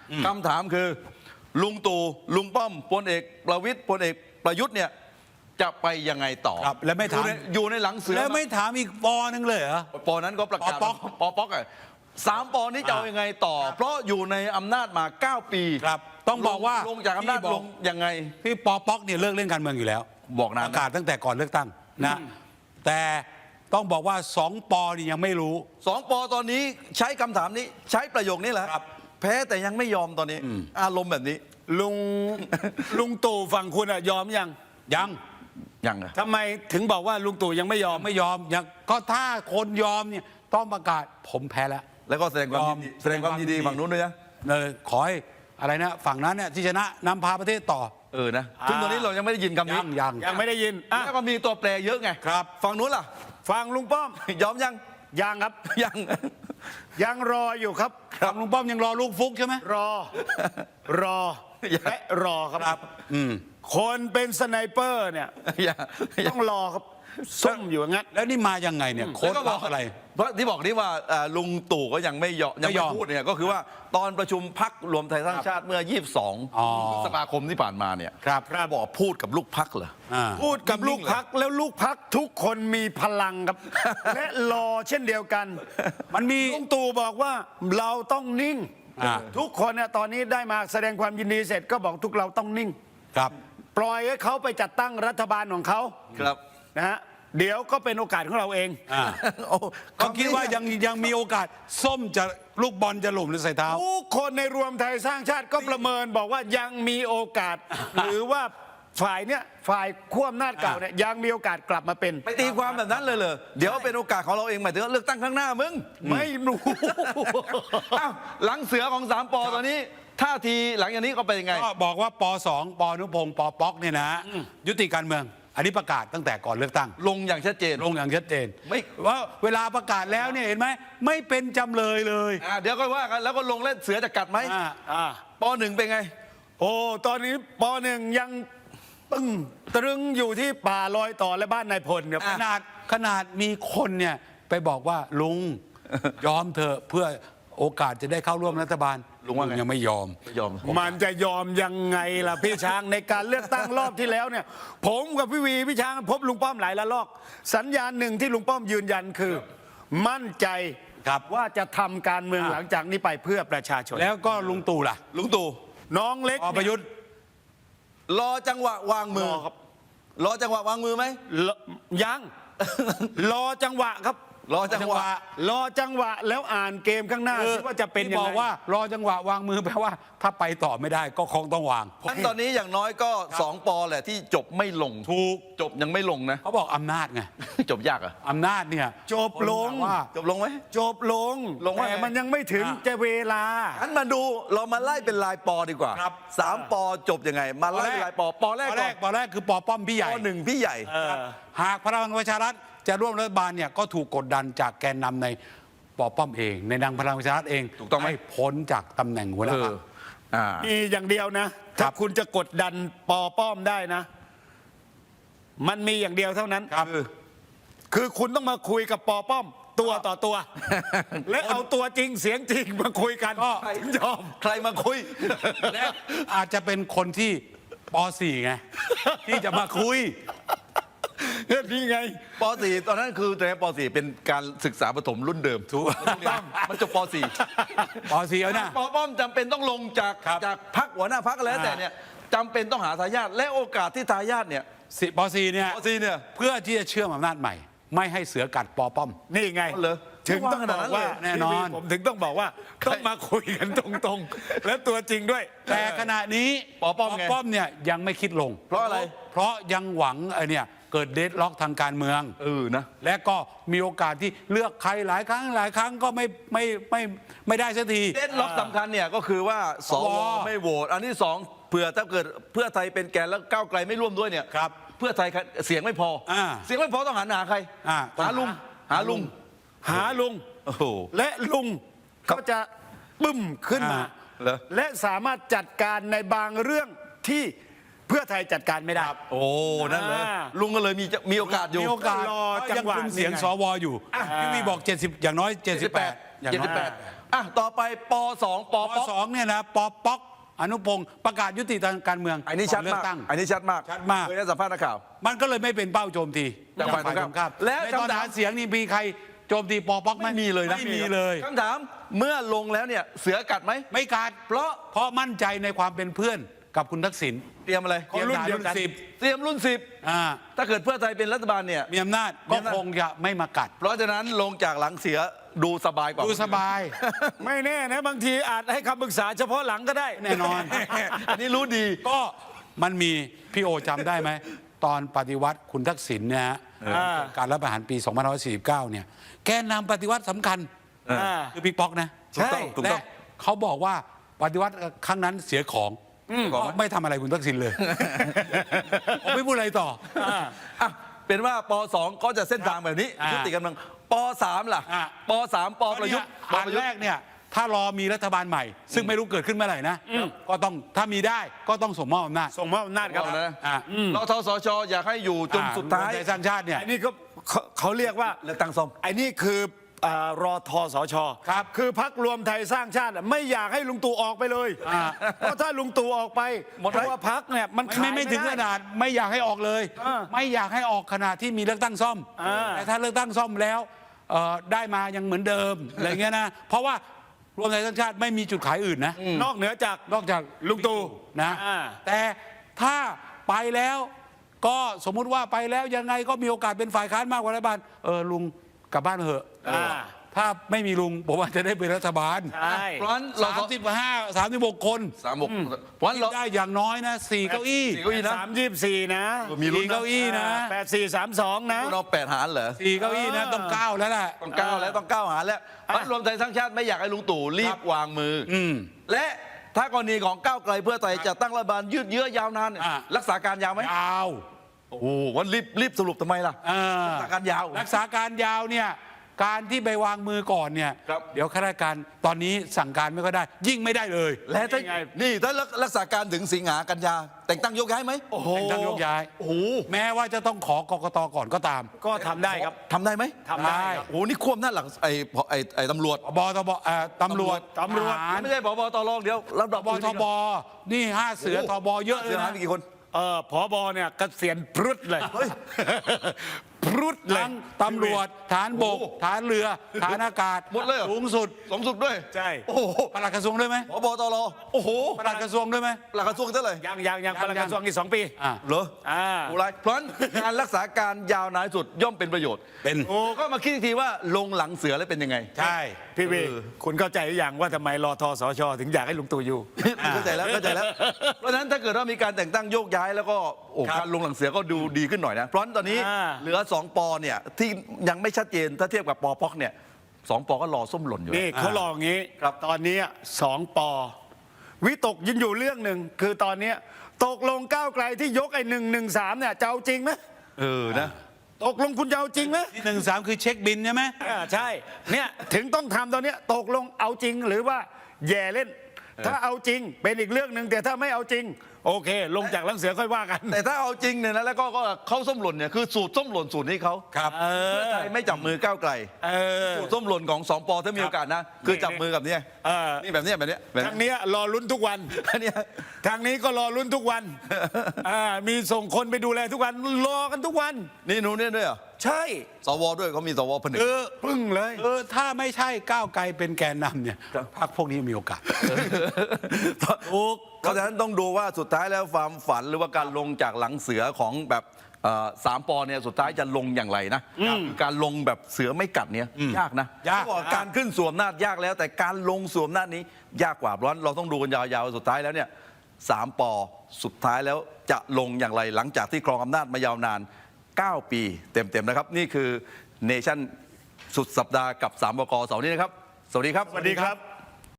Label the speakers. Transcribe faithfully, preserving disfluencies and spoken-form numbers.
Speaker 1: คำถามคือลุงตู่ลุงป้อมพลเอกประวิตรพลเอกประยุทธ์เนี่ยจะไปยังไงต่อ
Speaker 2: ครับแล้วไม่ถาม
Speaker 1: อยู่ในอยู่ในหลังเสือ
Speaker 2: แล้วไม่ถามอีกปอนึงเลยเหรอ
Speaker 1: ปอนั้นก็ประกาศ
Speaker 2: ปอป๊อก
Speaker 1: ปอป๊อกอะสามปอนี้จะเอายังไงต่อ เพราะอยู่ในอำนาจมาเก้าปี
Speaker 2: ครับ ต้องบอกว่า
Speaker 1: ลงจากอำนาจ
Speaker 2: พี่บ
Speaker 1: ล
Speaker 2: อก
Speaker 1: งยังไง
Speaker 2: พี่ปอป๊อกเนี่ยเลิกเล่นการเมืองอยู่แล้ว
Speaker 1: บอกนาน
Speaker 2: ประกาศตั้งแต่ก่อนเลือกตั้งนะแต่ต้องบอกว่าสองปอนี่ยังไม่รู้
Speaker 1: สองปอตอนนี้ใช้คำถามนี้ใช้ประโยคนี้แหละ
Speaker 2: ครับ
Speaker 1: แพ้แต่ยังไม่ยอมตอนนี้ อารมณ์แบบนี้
Speaker 3: ลุง ลุงตู่ฝั่งคุณอะยอมยัง
Speaker 2: ยัง
Speaker 1: ยังอะ
Speaker 3: ทำไมถึงบอกว่าลุงตู่ยังไม่ยอม
Speaker 2: ไม่ยอมยังก็ถ้าคนยอมเนี่ยต้องประกาศผมแพ้แล้ว
Speaker 1: แล้วก็แสดงความยินดี
Speaker 2: ยอม
Speaker 1: แสดงความยินดีฝั่งนู้นด้วยนะ
Speaker 2: เลยขอให้อะไรนะฝั่งนั้นเนี่ยที่ชนะนำพาประเทศต่อ
Speaker 1: เออนะซึ่งตอนนี้เรายังไม่ได้ยินคำนี้
Speaker 2: ยังยัง
Speaker 3: ยังไม่ได้ยินอ่ะ
Speaker 1: แล้วก็มีตัวแปรเยอะไง
Speaker 2: ครับ
Speaker 1: ฝั่งนู้นล่ะ
Speaker 3: ฟังลุงป้อม
Speaker 1: ยอมยัง
Speaker 3: ยังครับ
Speaker 1: ยัง
Speaker 3: ยังรออยู่ครับ
Speaker 2: ฝั่งลุงป้อมยังรอลูกฟุกใช่ไหม
Speaker 3: รอ รอ
Speaker 1: ยัง
Speaker 3: และรอครับ
Speaker 2: ครับอืม
Speaker 3: คนเป็นสไนเปอร์เนี่ย
Speaker 1: ยัง
Speaker 3: ต้องรอครับซุ่มอยู่อย่างนั้น
Speaker 2: แล้วนี่มายังไงเนี่ยโค้ด
Speaker 1: แล้วก็
Speaker 2: ลับอะไร
Speaker 1: เพราะที่บอกนี่ว่าอ่าลุงตู่ก็ยังไม่ยอมยัง
Speaker 2: ไม่ย
Speaker 1: ไม่
Speaker 2: อม
Speaker 1: พูดเนี่ยก็คือว่าตอนประชุมพักรวมไทยสร้างชาติเมื่อ ยี่สิบสอง
Speaker 2: อ๋อ
Speaker 1: พฤษภาคมที่ผ่านมาเนี่ย
Speaker 2: ครับ
Speaker 1: บอกพูดกับลูกพักเหรอ
Speaker 2: อ่า
Speaker 3: พูดกับลูกพักแล้วลูกพักทุกคนมีพลังครับ และรอเช่นเดียวกัน
Speaker 2: มันมี
Speaker 3: ลุงตู่บอกว่าเราต้องนิ่ง
Speaker 2: อ่า
Speaker 3: ทุกคนเนี่ยตอนนี้ได้มาแสดงความยินดีเสร็จก็บอกทุกเราต้องนิ่ง
Speaker 2: ครับ
Speaker 3: ปล่อยให้เขาไปจัดตั้งรัฐบาลของเขา
Speaker 1: ครับ
Speaker 3: นะฮะเดี๋ยวก็เป็นโอกาสของเราเอง
Speaker 2: อ่า
Speaker 1: โอ้
Speaker 2: ก็คิดว่ายังยังมีโอกาสส้มจะลูกบอลจะหล่มหรือใส่เท้า
Speaker 3: ทุกคนในรวมไทยสร้างชาติก็ประเมินบอกว่ายังมีโอกาส หรือว่าฝ่ายเนี้ยฝ่ายขั้วอำนาจเก่าเนี่ยยังมีโอกาสกลับมาเป็น
Speaker 1: ไปตีความแบบนั้นเลยเหรอเดี๋ยวเป็นโอกาสของเราเองหมายถึงว่าเลือกตั้งข้างหน้ามึง
Speaker 3: ไม่รู้
Speaker 1: อ้าวหลังเสือของสามปอตอนนี้ท่าทีหลังจากนี้ก็เป็นยังไง
Speaker 2: ก็บอกว่าปสองปอนุพงศ์ปอป๊อกเนี่ยนะ ยุติการเมือง อันนี้ประกาศตั้งแต่ก่อนเลือกตั้ง
Speaker 1: ลงอย่างชัดเจน
Speaker 2: ลงอย่างชัดเจน
Speaker 1: ไม่
Speaker 2: ว่าเวลาประกาศแล้วเนี่ยเห็นไหมไม่เป็นจำเลยเลย
Speaker 1: อ่าเดี๋ยวก็ว่ากันแล้วก็ลงเล่นเสือจะกัดไหม
Speaker 2: อ่า
Speaker 3: อ่า
Speaker 1: ปอหนึ่งเป็นไง
Speaker 3: โอ้ตอนนี้ปหนึ่งยังตึงตรึงอยู่ที่ป่าลอยต่อและบ้านนายพลครับ
Speaker 2: ขนาดขนาดมีคนเนี่ยไปบอกว่าลุง ยอมเถอะเพื่อโอกาสจะได้เข้าร่วมรัฐบาล
Speaker 1: ลุงว่าไง
Speaker 2: ยังไม่ยอม
Speaker 1: ไม่ยอม
Speaker 3: มันจะยอมยังไงล่ะพี่ช้างในการเลือกตั้งรอบที่แล้วเนี่ย ผมกับพี่วีพี่ช้างพบลุงป้อมหลายละลอก สัญญาณหนึ่งที่ลุงป้อมยืนยันคือ มั่นใจ
Speaker 2: ครับ
Speaker 3: ว่าจะทำการเมืองหลังจากนี้ไปเพื่อประชาชน
Speaker 2: แล้วก็ลุงตู่ล่ะ
Speaker 1: ลุงตู่
Speaker 3: น้องเล็ก
Speaker 2: ปอประยุทธ์
Speaker 1: รอจังหวะวางมือ
Speaker 3: รอครับ
Speaker 1: รอจังหวะวางมือไหม
Speaker 3: รอยัง รอจังหวะครับ
Speaker 1: รอจังหวะ
Speaker 3: รอจังหวะแล้วอ่านเกมข้างหน้า
Speaker 2: คือ
Speaker 3: สิว่าจะเป็น
Speaker 2: ที่
Speaker 3: ยัง
Speaker 2: บ
Speaker 3: ไง
Speaker 2: อกว่ารอจังหวะวางมือแปลว่า ถ้าไปต่อไม่ได้ก็คงต้องวาง
Speaker 1: งั้นตอนนี้อย่างน้อยก็สองปอแหละที่จบไม่ลง
Speaker 2: ถูก
Speaker 1: จบยังไม่ลงนะ
Speaker 2: เขาบอกอำนาจไง
Speaker 1: จบยากเหรอ่ะ
Speaker 2: อำนาจเนี่ย
Speaker 3: จบลง
Speaker 2: ว่า
Speaker 1: จบลงไหม
Speaker 3: จบลง
Speaker 1: ลงว่า
Speaker 3: แต่
Speaker 1: ไง
Speaker 3: มันยังไม่ถึง
Speaker 2: อ่ะ
Speaker 3: จะเวลา
Speaker 1: งั้นมาดูเรามาไล่เป็นลายปอดีกว่า
Speaker 2: ครับ
Speaker 1: สามปอจบยังไง มาไล่เป็นลายปอปอแรก
Speaker 2: ปอ
Speaker 1: ก่
Speaker 2: แร
Speaker 1: อน
Speaker 2: กปอแรกคือปอป้อมพี่ให
Speaker 1: ป
Speaker 2: ญ่
Speaker 1: อหนึ่งพี่ใหญ่
Speaker 3: เออ
Speaker 2: หากพลังประชารัฐจะร่วมรัฐบาลเนี่ยก็ถูกกดดันจากแกนนำในปอป้อมเอง ในนางพลังประชารัฐเอง
Speaker 1: ถูกต้องไหม
Speaker 2: ให้พ้นจากตำแหน่งหัวหน้า
Speaker 1: เอ
Speaker 2: พร
Speaker 1: อ
Speaker 2: รค
Speaker 1: อ่า
Speaker 3: มีอย่างเดียวนะ
Speaker 2: ครั
Speaker 3: ถ้า
Speaker 2: บ
Speaker 3: คุณจะกดดันปอป้อมได้นะ มันมีอย่างเดียวเท่านั้น
Speaker 2: ครับ
Speaker 3: คือคุณต้องมาคุยกับปอป้อม ตัวต่อตัว และเอาตัวจริงเสียงจริงมาคุยกัน
Speaker 2: ก็
Speaker 3: ถึงยอม
Speaker 1: ใครมาคุย
Speaker 2: และอาจจะเป็นคนที่ปสี่ไง ที่จะมาคุย
Speaker 3: นี่ไง
Speaker 1: ปอสี่ตอนนั้นคือตอนนั้นปอสี่เป็นการศึกษาประถมรุ่นเดิม
Speaker 2: ถูก
Speaker 1: มันจบปอสี่
Speaker 2: ปสี่เอานะ
Speaker 1: ปอป้อมจำเป็นต้องลงจาก
Speaker 2: ครับ
Speaker 1: จากพักหัวหน้าพักแล้ว
Speaker 2: อ่า
Speaker 1: แต่เนี่ยจำเป็นต้องหาทายาทและโอกาสที่ทายาทเนี่ย
Speaker 2: สิปสี่เนี่ย
Speaker 1: ปอสี่เนี่ย
Speaker 2: เพื่อที่จะเชื่อมอำนาจใหม่ ไม่ให้เสือกัดปอป้อม
Speaker 3: นี่ไง
Speaker 1: เหรอ
Speaker 3: ถึงต้องบอกว่า
Speaker 2: แน่นอน
Speaker 3: พี่วีผมถึงต้องบอกว่าต้องมาคุยกันตรงๆ และตัวจริงด้วย
Speaker 2: แต่ขณะนี้
Speaker 1: ปอป้อมไง
Speaker 2: ป้อมเนี่ยยังไม่คิดลง
Speaker 1: เพราะอะไร
Speaker 2: เพราะยังหวังไอ้เนี่ยเกิดเดดล็อกทางการเมือง
Speaker 1: เออนะ
Speaker 2: และก็มีโอกาสที่เลือกใครหลายครั้งหลายครั้งก็ไม่ไม่ไม่ไม่ได้สักที
Speaker 1: เด่นล็อกสำคัญเนี่ยก็คือว่าสว
Speaker 2: สว
Speaker 1: ไม่โหวตอันที่สองเผื่อถ้าเกิดเพื่อไทยเป็นแกนแล้วก้าวไกลไม่ร่วมด้วยเนี่ย
Speaker 2: ครับ
Speaker 1: เพื่อไทยเสียงไม่พออา เสียงไม่พอต้องหันหาใคร
Speaker 2: อ่าต้อง
Speaker 1: หาลุง
Speaker 2: หา
Speaker 1: หาลุง
Speaker 3: หาลุง
Speaker 1: โอ้โห
Speaker 3: และลุงก็จะบึ้มขึ้นมา
Speaker 2: อ่า
Speaker 1: เหรอ
Speaker 3: และสามารถจัดการในบางเรื่องที่เพื่อไทยจัดการไม่ได้
Speaker 1: โอ้นั่นเลย
Speaker 3: อ่า
Speaker 1: ลุงก็เลยมีจะมีโอกาสอยู่
Speaker 2: มีโอกาส
Speaker 3: รอจังหวะ
Speaker 2: ยังคุมเสียง
Speaker 3: นี่ไง
Speaker 2: สวอยู่พี่วีบอกเจ็ดสิบอย่างน้อยเจ็ดสิบแปดอย่างน้อย
Speaker 1: เจ็ดสิบแปดอ่ะต่อไปปสองป
Speaker 2: ป
Speaker 1: ป๊อก
Speaker 2: สองเนี่ยนะปป๊อกอนุพงศ์ประกาศยุติทางการเมือง
Speaker 1: อันนี้ชัด
Speaker 2: ก่เลื
Speaker 1: มา
Speaker 2: อก ตั้ง
Speaker 1: อันนี้ชัดมาก
Speaker 2: ชัดมาก
Speaker 1: เคยให้สัมภาษณ์นักข่าว
Speaker 2: มันก็เลยไม่เป็นเป้าโจมตี
Speaker 1: จากฝ่ายตรงข้าม
Speaker 2: และ
Speaker 1: และ
Speaker 2: ในตอน
Speaker 1: คำถาม
Speaker 2: หาเสียงนี่มีใครโจมตีปป๊อกไหม
Speaker 1: ไม่มีเลยนะ
Speaker 2: ไม่มีเลย
Speaker 1: คำถามเมื่อลงแล้วเนี่ยเสือกัดไหม
Speaker 2: ไม่ขาด
Speaker 1: เพราะ
Speaker 2: เพราะมั่นใจในความเป็นเพื่อนกับคุณทักษิณ
Speaker 1: เตรียมอะไร
Speaker 2: เตรียมทหารรุ่นสิบ
Speaker 1: เตรียมรุ่นสิบ
Speaker 2: อ่า
Speaker 1: ถ้าเกิดเพื่อไทยเป็นรัฐบาลเนี่ย
Speaker 2: มีอำนาจ
Speaker 1: มี
Speaker 2: ก็
Speaker 1: อำนาจ
Speaker 2: คงจะไม่มากัด
Speaker 1: เพราะฉะนั้นลงจากหลังเสือดูสบายกว่า
Speaker 2: ดูสบาย
Speaker 3: ไม่แน่นะบางทีอาจให้คำปรึกษาเฉพาะหลังก็ได้
Speaker 2: แน่นอน
Speaker 1: อันนี้รู้ดี
Speaker 2: ก็มันมีพี่โอจำได้ไหม ตอนปฏิวัติคุณทักษิณเนี่ยฮะ
Speaker 3: อ่า
Speaker 2: การรัฐประหารปี สองพันห้าร้อยสี่สิบเก้า เนี่ย แกนนำปฏิวัติสำคัญ
Speaker 3: อ่า
Speaker 2: คือบิ๊กป๊อกนะ
Speaker 3: ใช่
Speaker 1: ถูกต้อง
Speaker 2: และเขาบอกว่าปฏิวัติครั้งนั้นเสียของก็ไม่ทำอะไรคุณทักษิณเลย ผมไม่พูดอะไรต่อ
Speaker 1: อ่ะเป็นว่าปสองก็จะเส้นทางแบบนี้
Speaker 2: อ่ายุ
Speaker 1: ยุติกำลังปสามล่ะ
Speaker 2: อ่า
Speaker 1: ปสามปประยุทธ์ป
Speaker 2: อัน
Speaker 1: ประยุท
Speaker 2: แร
Speaker 1: ธ์
Speaker 2: กเนี่ยถ้ารอมีรัฐบาลใหม่ ซึ่งไม่รู้เกิดขึ้นเมื่อไหร่นะ ก็ต้องถ้ามีได้ก็ต้องส่งมอบอำนาจ
Speaker 3: ส่งมอบอำนาจครับ
Speaker 1: เอาแล้วนะ
Speaker 2: อ่า
Speaker 1: รทสชอยากให้อยู่จนสุดท้าย
Speaker 2: รวมไทยสร้างชาติเนี่ย
Speaker 3: อันนี้ก็เขาเขาเรียกว่า
Speaker 1: เลือกตั้งซ่อม
Speaker 3: ไอ้นี่คืออ่ารอทสช
Speaker 2: ครับ
Speaker 3: คือพักรวมไทยสร้างชาติอะไม่อยากให้ลุงตู่ออกไปเลย
Speaker 2: อ่า
Speaker 3: เพราะถ้าลุงตู่ออกไป
Speaker 1: หมด
Speaker 3: เพราะว่าพักเนี่ยมัน
Speaker 2: ไม่
Speaker 3: ขาย
Speaker 2: ไม่ไม่ถึงข
Speaker 3: ด้
Speaker 2: นาดไม่อยากให้ออกเลย
Speaker 3: อ่า
Speaker 2: ไม่อยากให้ออกขนาดที่มีเลือกตั้งซ่อม
Speaker 3: อ่า
Speaker 2: แต่ถ้าเลือกตั้งซ่อมแล้วเอ่อได้มายังเหมือนเดิมอะไรเงี้ยนะเพราะว่ารวมไทยสร้างชาติไม่มีจุดขายอื่นนะ
Speaker 3: นอกเหนือจาก
Speaker 2: นอกจาก
Speaker 3: ลุงตู่
Speaker 2: นะ
Speaker 3: อ่า
Speaker 2: แต่ถ้าไปแล้วก็สมมุติว่าไปแล้วยังไงก็มีโอกาสเป็นฝ่ายค้านมากกว่ารัฐบาลเออลุงกลับบ้านเถอะ
Speaker 3: อ่า
Speaker 2: ถ้าไม่มีลุงผมว่าจะได้เป็นรัฐบาล
Speaker 3: ใช่
Speaker 1: เพราะฉะนั้นเรา
Speaker 2: สามสิบห้าสามสิบหกคน
Speaker 1: สามหกเพราะฉะนั้นเรา
Speaker 2: ได้อย่างน้อยนะสี่เก้าอี้
Speaker 1: สี่เก้าอี้นะ
Speaker 3: สามยี่สิบสี่นะ
Speaker 1: มีลุ้น
Speaker 2: สี่เก้าอี้นะ
Speaker 3: แปดสี่สามสองนะ
Speaker 1: เราแปดหารเหรอ
Speaker 2: สี่เก้าอี้นะต้องเก้าแล้วแหละ
Speaker 1: ต้องก้าวแล้วต้องก้าวหารแล้วพรรครวมไทยสร้างชาติไม่อยากให้ลุงตู่รีบวางมืออ
Speaker 2: อืม
Speaker 1: และถ้ากรณีของก้าวไกลเพื่อไทยจะตั้งรัฐบาลยืดเยื้อยาวนานเนี่ย
Speaker 2: อ่า
Speaker 1: รักษาการยาวไหม
Speaker 2: ยาว
Speaker 1: โอ้โหวันรีบรีบสรุปทำไมล่ะ
Speaker 2: เออ
Speaker 1: รักษาการยาว
Speaker 2: รักษาการยาวเนี่ยการที่ไปวางมือก่อนเนี่ย
Speaker 1: ครับ
Speaker 2: เดี๋ยวข้าราชการตอนนี้สั่งการไม่ก็ได้ ยิ่งไม่ได้เลย
Speaker 1: และถ้า
Speaker 3: นี่ไง
Speaker 1: นี่ถ้ารักษาการถึงสิงหากันยา แต่งตั้งยกย้ายไหม
Speaker 3: โอ้โห
Speaker 2: แต่งตั้งยกย้าย
Speaker 1: โอ้โห
Speaker 2: แม้ว่าจะต้องขอกกตก่อนก็ตาม
Speaker 3: ก็ทำได้ครับ
Speaker 1: ทำได้ไหม
Speaker 3: ทำได้ครับ
Speaker 1: โอ้โหนี่ควบหน้าจหลังไอ้ไอ้ไอ้ตำรวจ
Speaker 2: บตบเอ่อตำรวจ
Speaker 3: ตำรวจ
Speaker 2: ทหาร
Speaker 1: ไม่ใช่ผบตรองเดียวระดับบ
Speaker 2: ทบนี่ห้าเสือทบเยอะเล
Speaker 1: เสี
Speaker 2: ย
Speaker 1: ยหาย
Speaker 2: นะ
Speaker 1: ไปกี่คน
Speaker 3: เออผอบอเนี่ยเกษียณพรุดเลยพรุดเลย
Speaker 2: ทั้งตำรวจฐานบก
Speaker 1: โอ้โห
Speaker 2: ฐานเรือฐานอากาศ
Speaker 1: หมดเลยเหรอ
Speaker 2: สูงสุด
Speaker 1: สมสุดด้วย
Speaker 3: ใช่
Speaker 1: โอ้โห
Speaker 2: ปลัดกระทรวงด้วยไหม
Speaker 1: ผบตรโอ้โห
Speaker 2: ปลัดกระทรวงด้วยไหม
Speaker 1: หลักกระทรวงเท่าไหร่
Speaker 3: ยังยังยัง
Speaker 2: ยัง
Speaker 3: ปลัดกระทรวงอีกสองปี
Speaker 2: อ่า
Speaker 1: เหรอ
Speaker 3: อ่า
Speaker 1: โอ้ไรเพราะฉะนั้นการรักษาการยาวนานที่สุดย่อมเป็นประโยชน์
Speaker 2: เป็น
Speaker 1: โอ้ก็มาคิดอีกทีว่าลงหลังเสือแล้วเป็นยังไง
Speaker 2: ใช่
Speaker 3: พี่วีคุณเข้าใจหรือยังว่าทำไมรอทสช ถึงอยากให้ลุงตู่อยู่
Speaker 1: เข้าใจแล้วเข้าใจแล้ว เพราะฉะนั้นถ้าเกิดว่ามีการแต่งตั้งโยกย้ายแล้วก็โอ้
Speaker 2: ครับ
Speaker 1: การลงหลังเสือก็ดูดีขึ้นหน่อยนะ เพราะฉะนั้นตอนนี้
Speaker 3: อ่า
Speaker 1: เหลือสองปอเนี่ยที่ยังไม่ชัดเจนถ้าเทียบกับปอพอกเนี่ยสองปอก็รอส้มหล่นอยู่
Speaker 3: นี่เขาลองงี้
Speaker 1: ครับ
Speaker 3: ตอนนี้สองปอวิตกยินอยู่เรื่องหนึ่งคือตอนนี้ตกลงก้าวไกลที่ยกไอ้หนึ่งหนึ่งสามเนี่ยจะเอาจริงไหม
Speaker 1: เออนะ
Speaker 3: ตกลงคุณจะเอาจริงไหม
Speaker 2: ที่หนึ่งสามคือเช็คบินใช่ไหม
Speaker 3: อ่าใช่เนี่ยถึงต้องทำตอนเนี้ยตกลงเอาจริงหรือว่าแย่เล่น ถ้าเอาจริงเป็นอีกเรื่องหนึ่งแต่ถ้าไม่เอาจริง โอเค ลงจากหลังเสือค่อยว่ากัน
Speaker 1: แต่ถ้าเอาจริงเนี่ยนะแล้วก็ก็เขาส้มหล่นเนี่ยคือสูตรส้มหล่นสูตรนี้เขา
Speaker 2: ครับ
Speaker 3: เอ
Speaker 1: เพื่อ
Speaker 3: อ
Speaker 1: ไทยไม่จับมือก้าวไกล
Speaker 3: เออ
Speaker 1: สูตรส้มหล่นของสองปอถ้ามีโอกาสนะ คือจับมือกับเนี่ย
Speaker 3: เออ
Speaker 1: นี่แบบเนี้ยแบบเนี้ยแบบ
Speaker 3: ทาง
Speaker 1: เนี้ย
Speaker 3: เนี้ยรอลุ้นทุกวัน
Speaker 1: อันเนี้ย
Speaker 3: ทางนี้ก็รอลุ้นทุกวันอ่ามีส่งคนไปดูแลทุกวันรอกันทุกวัน
Speaker 1: นี่หนูเนี่ยด้วยเหรอ
Speaker 3: ใช่
Speaker 1: สวด้วยเขามีสวผนึก
Speaker 2: เออ
Speaker 3: พึ่งเลย
Speaker 2: เออถ้าไม่ใช่ก้าวไกลเป็นแกนนำเนี่ยพรรคพวกนี้มีโอกาส
Speaker 1: ถูกเพราะฉะนั้นต้องดูว่าสุดท้ายแล้วความฝันหรือว่าการลงจากหลังเสือของแบบเอ่อสามปอเนี่ยสุดท้ายจะลงอย่างไรนะคือการลงแบบเสือไม่กัดเนี่ยยากนะ
Speaker 2: ยาก
Speaker 1: เขาบอกการขึ้นสวมหน้าจยากแล้ว แต่การลงสวมหน้าจนี้ยากกว่าเพราะฉะนั้นเราต้องดูกันยาวๆสุดท้ายแล้วเนี่ยสามปอสุดท้ายแล้วจะลงอย่างไรหลังจากที่ครองอำนาจมายาวนานเก้าปีเต็มๆนะครับนี่คือเนชั่นสุดสัปดาห์กับสามบกเสาร์นี้นะครับสวัสดีครับ
Speaker 3: สวัสดีครับ